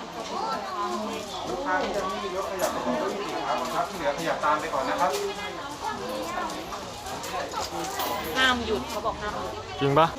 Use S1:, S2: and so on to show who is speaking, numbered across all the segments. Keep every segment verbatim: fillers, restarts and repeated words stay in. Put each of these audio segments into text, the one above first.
S1: ลูกค้าที่ยังไม่มีรถขยับไปตรงเก้าอี้สีขาวก่อนครับที่เหลือขยับตามไปก่อนนะครับ
S2: ห้ามหยุดเขาบอกห้ามหยุด
S3: จริงปะ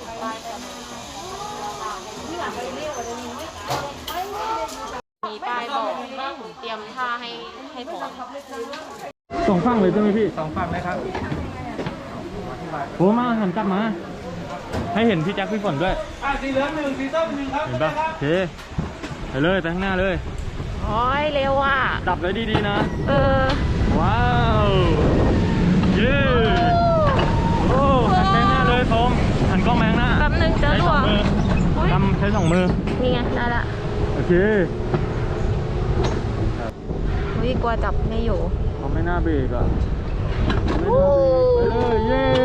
S2: มีป้ายบอกเตรียมท่าให้ให้พร้อม
S3: สองฝั่งเลยใช่ไหมพี่
S1: สองฝั่งเลยครับ
S3: โอ้มาหันกลับมาให้เห็นพี่แจ็คพี่ฝนด้วย
S1: อ่ะสีเหลืองหนึ่งสีส้มหนึ่งครับ
S3: เห็นปะโอเคไปเลยไปข้างหน้าเลย
S2: โอ้ยเร็วอ่ะ
S3: ดับเลยดีๆนะ
S2: เออ
S3: ว้าวเย้โอ้หันไปข้างหน้าเลยโทมหันกล้องแมงหน้า
S2: แป๊บนึงจะรั่ว
S3: ทำใช้สองมือ
S2: นี่ไงได้ละ
S3: โอเค
S2: วิกลัวจับไม่อยู่
S3: เขาไม่น่าเบรกอ่ะไม่น่าเบรกไปเลยเย้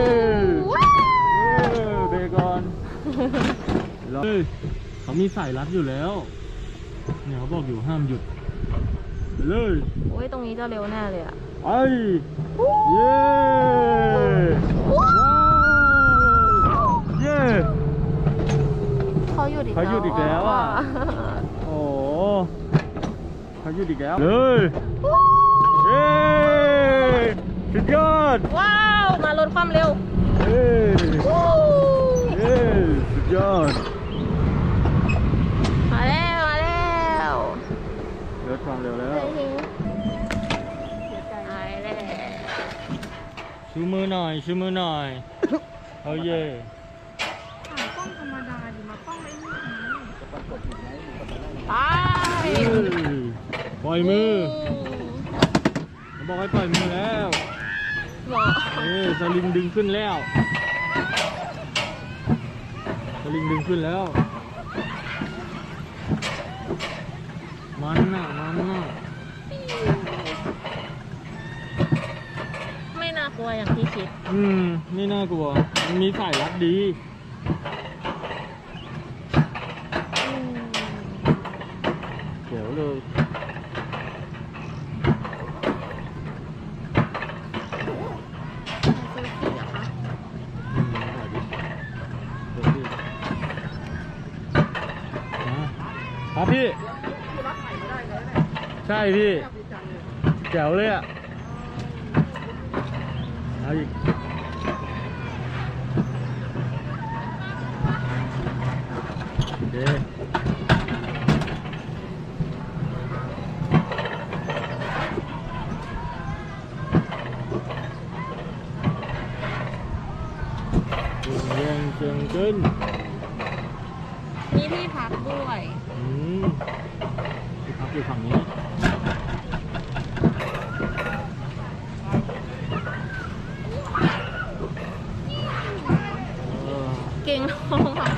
S3: เบรกก่อนเฮ้ยเขามีสายรัดอยู่แล้วเนี่ยเขาบอกอยู่ห้ามหยุดไปเลย
S2: โอ้ยตรงนี้จะเร็วแน่เลยอ่ะ
S3: ไปเย้ว้าวเย้
S2: เขาหยุดอีกแล้ว
S3: เขาหยุดอีกแล้วอ่ะโอ้เขาหยุดอีกแล้วเลยเย้สุดยอด
S2: ว้าวมาลดความเร็ว
S3: เย้เย้สุดยอด
S2: มาแล้วมาแล้ว
S3: ลดความเร็วแล้ว
S2: หายแล้ว
S3: ชูมือหน่อยชูมือหน่อยเอาเย่
S2: ถ่ายกล้องธรรมดาดิมากล้องไม่มีไป
S3: ปล่อยมือบอกให้ปล่อยมือแล้วเออสลิงดึงขึ้นแล้วสลิงดึงขึ้นแล้วมันน่ะมันน่ะ
S2: ไม่น่ากลัวอย่างที่คิด
S3: อืมไม่น่ากลัวมันมีสายรัดดีเดี๋ยวเลยครับพี่ใช่พี่แจ๋วเลยอ่ะเอาอีกเด้เยียงเชียงขึ้น
S2: มีที่พักด้วย
S3: อืมที่พักอยู่ฝั่งนี้
S2: เก่งท้องค่ะ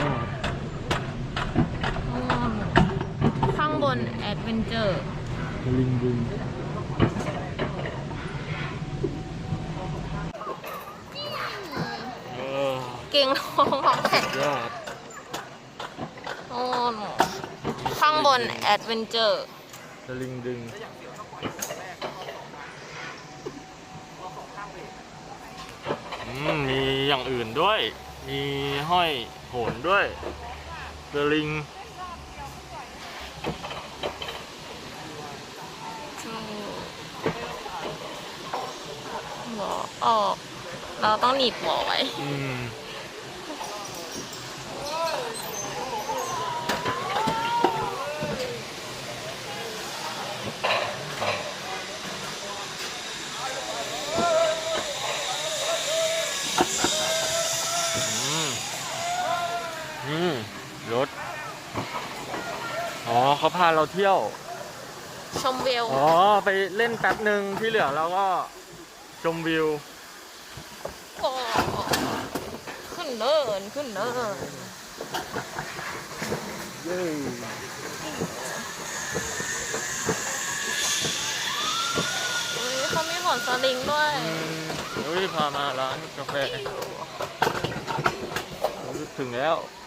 S2: ข้างบนแอดเวนเจอร์
S3: ลิงดึง
S2: เก่งท้องค่ะโอ้ข้างบนแอดเวนเจอร์
S3: สลิงดึงมีอย่างอื่นด้วยมีห้อยโหนด้วยสลิง
S2: หมอออกเราต้องหนีบหมอไว้
S3: อืมรถอ๋อเขาพาเราเที่ยว
S2: ชมวิว
S3: อ๋อไปเล่นแป๊บหนึ่งที่เหลือเราก็ชมวิว
S2: ก็ขึ้นเนินขึ้นเนิน
S3: เย้
S2: เขามีหมอนสลิงด้วย
S3: เฮ้ยพามาร้านกาแฟถึงแล้ว